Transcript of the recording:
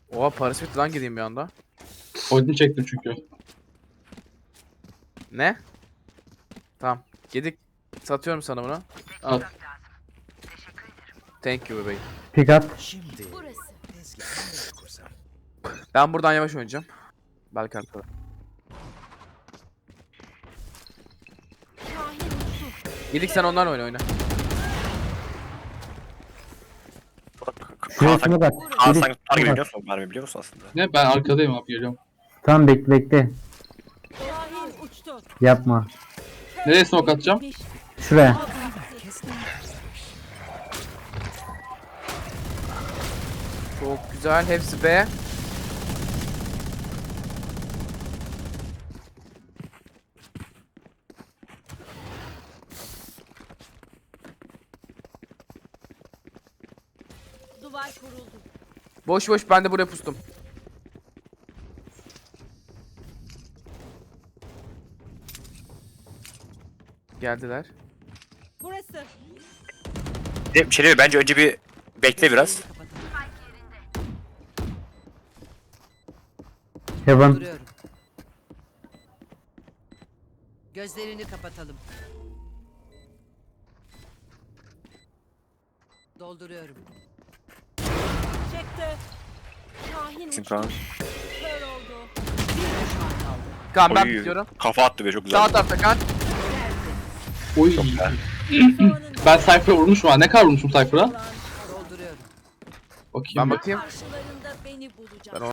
Oha Paris bitti lan gideyim bir anda. Odin çektim çünkü. Ne? Tamam. Gedik. Satıyorum sana bunu. Al. Thank you bebeğim. Pick up. Burası. Ben buradan yavaş oynayacağım. Belki arkada. Şahin uçtu. Gedik sen onlarla oyna. Şuraya smoke at. Kaan Biri sanki tutar gibi smoke at. biliyor musun? Mermi biliyor musun aslında? Ne, ben arkadayım abi, geliyorum. Tamam bekle. Şahin uçtu. Yapma. Nereye smoke atacağım? Şuraya. Çok güzel. Hepsi B. Duvar kuruldu. Boş boş ben de buraya pustum. Geldiler. Burası. Bir şey değil mi? Bence önce bir bekle biraz. Heaven. Duruyorum. Gözlerini kapatalım. Dolduruyorum. Çekti. Şahin Bizim uçtu. Kaan. Kör oldu. Kaan ben Oy, bitiyorum. kafa attı be çok güzel. Sağ tarafta Kaan. Oy. güzel. Ben Cypher'a vurmuşum ha. Ne kadar vurmuşum Cypher'a? Dolduruyorum. Bakayım. Ben bir. bakayım. Karşılarında beni bulacak. Ben